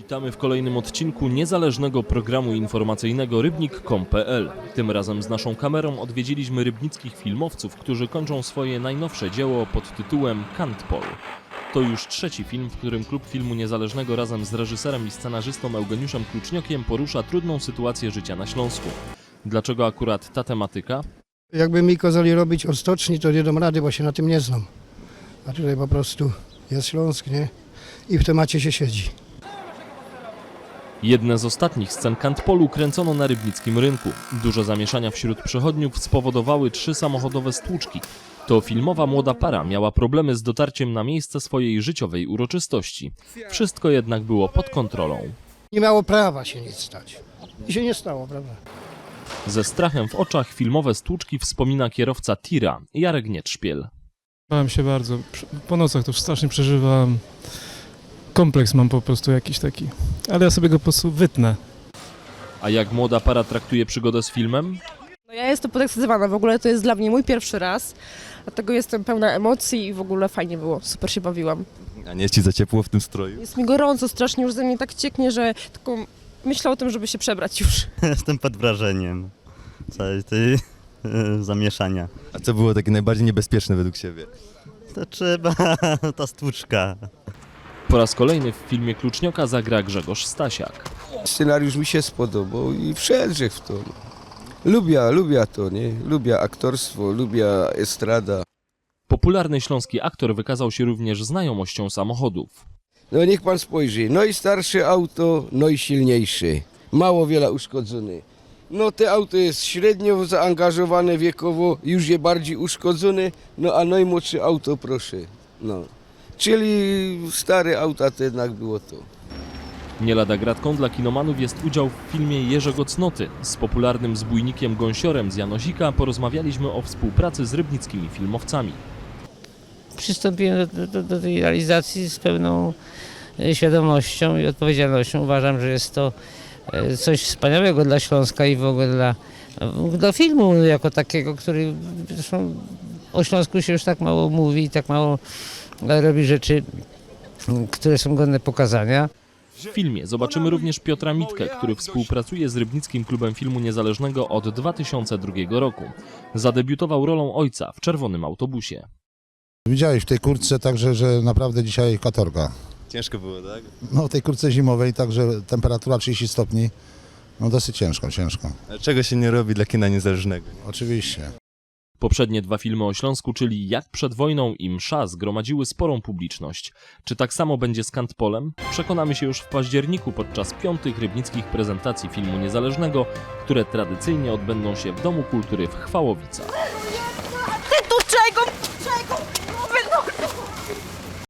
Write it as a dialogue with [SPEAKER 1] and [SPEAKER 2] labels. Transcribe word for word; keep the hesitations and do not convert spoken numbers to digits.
[SPEAKER 1] Witamy w kolejnym odcinku niezależnego programu informacyjnego rybnik kropka com kropka p l. Tym razem z naszą kamerą odwiedziliśmy rybnickich filmowców, którzy kończą swoje najnowsze dzieło pod tytułem Kantpol. To już trzeci film, w którym Klub Filmu Niezależnego razem z reżyserem i scenarzystą Eugeniuszem Kluczniokiem porusza trudną sytuację życia na Śląsku. Dlaczego akurat ta tematyka?
[SPEAKER 2] Jakby mi kazali robić od stoczni, to nie dam rady, bo się na tym nie znam. A tutaj po prostu jest Śląsk, nie? I w temacie się siedzi.
[SPEAKER 1] Jedne z ostatnich scen Kantpolu kręcono na rybnickim rynku. Duże zamieszania wśród przechodniów spowodowały trzy samochodowe stłuczki. To filmowa młoda para miała problemy z dotarciem na miejsce swojej życiowej uroczystości. Wszystko jednak było pod kontrolą.
[SPEAKER 2] Nie miało prawa się nic stać. I się nie stało, prawda?
[SPEAKER 1] Ze strachem w oczach filmowe stłuczki wspomina kierowca tira Jarek Nietrzpiel.
[SPEAKER 3] Bałem się bardzo. Po nocach to strasznie przeżywałem. Kompleks mam po prostu jakiś taki. Ale ja sobie go po prostu wytnę.
[SPEAKER 1] A jak młoda para traktuje przygodę z filmem?
[SPEAKER 4] No ja jestem podekscytowana, w ogóle to jest dla mnie mój pierwszy raz, dlatego jestem pełna emocji i w ogóle fajnie było, super się bawiłam.
[SPEAKER 5] A nie jest ci za ciepło w tym stroju?
[SPEAKER 4] Jest mi gorąco, strasznie już ze mnie tak cieknie, że tylko myślę o tym, żeby się przebrać już.
[SPEAKER 6] Jestem pod wrażeniem całej tej e, zamieszania.
[SPEAKER 5] A co było takie najbardziej niebezpieczne według Ciebie?
[SPEAKER 6] To trzeba, ta stłuczka.
[SPEAKER 1] Po raz kolejny w filmie Klucznioka zagra Grzegorz Stasiak.
[SPEAKER 7] Scenariusz mi się spodobał i wszedł w to. Lubię, lubię to, nie? Lubię aktorstwo, lubię estrada.
[SPEAKER 1] Popularny śląski aktor wykazał się również znajomością samochodów.
[SPEAKER 7] No niech pan spojrzy, no i starsze auto, no i silniejsze. Mało wiele uszkodzone. No te auto jest średnio zaangażowane wiekowo, już je bardziej uszkodzone, no a najmłodsze auto proszę. No. Czyli stare auta to jednak było to.
[SPEAKER 1] Nie lada gratką dla kinomanów jest udział w filmie Jerzego Cnoty. Z popularnym zbójnikiem Gąsiorem z Janosika porozmawialiśmy o współpracy z rybnickimi filmowcami.
[SPEAKER 8] Przystąpiłem do, do, do tej realizacji z pełną świadomością i odpowiedzialnością. Uważam, że jest to coś wspaniałego dla Śląska i w ogóle dla, dla filmu jako takiego, który zresztą o Śląsku się już tak mało mówi i tak mało robi rzeczy, które są godne pokazania.
[SPEAKER 1] W filmie zobaczymy również Piotra Mitkę, który współpracuje z Rybnickim Klubem Filmu Niezależnego od dwa tysiące drugiego roku. Zadebiutował rolą ojca w Czerwonym autobusie.
[SPEAKER 9] Widziałeś w tej kurtce także, że naprawdę dzisiaj katorga.
[SPEAKER 5] Ciężko było, tak?
[SPEAKER 9] No w tej kurtce zimowej także temperatura trzydzieści stopni, no dosyć ciężko, ciężko.
[SPEAKER 5] Ale czego się nie robi dla kina niezależnego?
[SPEAKER 9] Oczywiście.
[SPEAKER 1] Poprzednie dwa filmy o Śląsku, czyli Jak przed wojną i Msza, zgromadziły sporą publiczność. Czy tak samo będzie z Kantpolem? Przekonamy się już w październiku podczas piątych rybnickich prezentacji filmu niezależnego, które tradycyjnie odbędą się w Domu Kultury w Chwałowicach.